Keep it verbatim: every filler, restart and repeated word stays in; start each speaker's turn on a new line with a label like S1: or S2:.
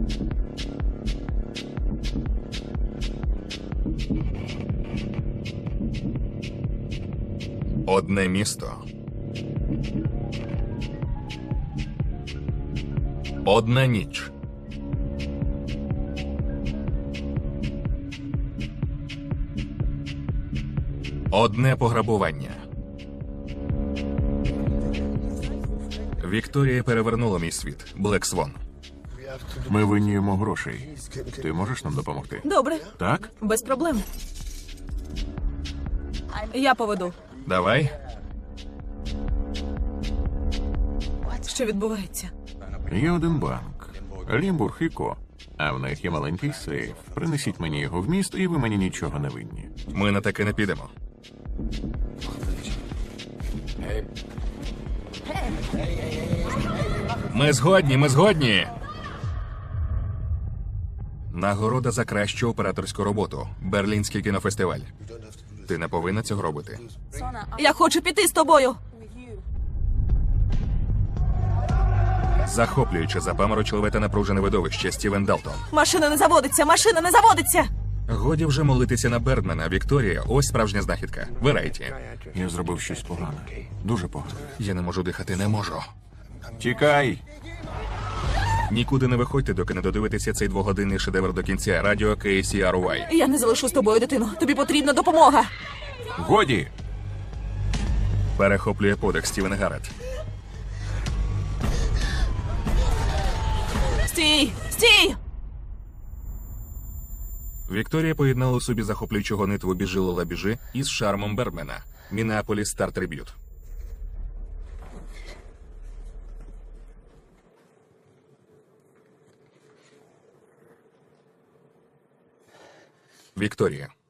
S1: Одне місто. Одна ніч. Одне пограбування. Вікторія перевернула мій світ. Блек Свон.
S2: Ми винні йому грошей. Ти можеш нам допомогти?
S3: Добре,
S2: Так?
S3: без проблем. Я поведу.
S1: Давай.
S3: Що відбувається?
S2: Є один банк. Лімбург і Ко. А в них є маленький сейф. Принесіть мені його в місто, і ви мені нічого не винні.
S1: Ми на таке не підемо. Ми згодні, ми згодні. Нагорода за кращу операторську роботу. Берлінський кінофестиваль. Ти не повинна цього робити.
S3: Я хочу піти з тобою.
S1: Захоплююче, запаморочливе та напружене видовище. Стівен Далтон.
S3: Машина не заводиться, машина не заводиться.
S1: Годі вже молитися на Бердмена. Вікторія, ось справжня знахідка. Верайті.
S2: Я зробив щось погане. Дуже погане.
S1: Я не можу дихати, не можу.
S2: Тікай!
S1: Нікуди не виходьте, доки не додивитеся цей двогодинний шедевр до кінця. Радіо Кей Сі Ар Вай.
S3: Я не залишу з тобою, дитино. Тобі потрібна допомога.
S2: Годі!
S1: Перехоплює подих Стівен Гаррет.
S3: Стій! Стій!
S1: Вікторія поєднала у собі захоплюючу гонитву «Біжи, Лола, біжи» із шармом Бердмена. Мінеаполіс Стар Триб'ют. Вікторія.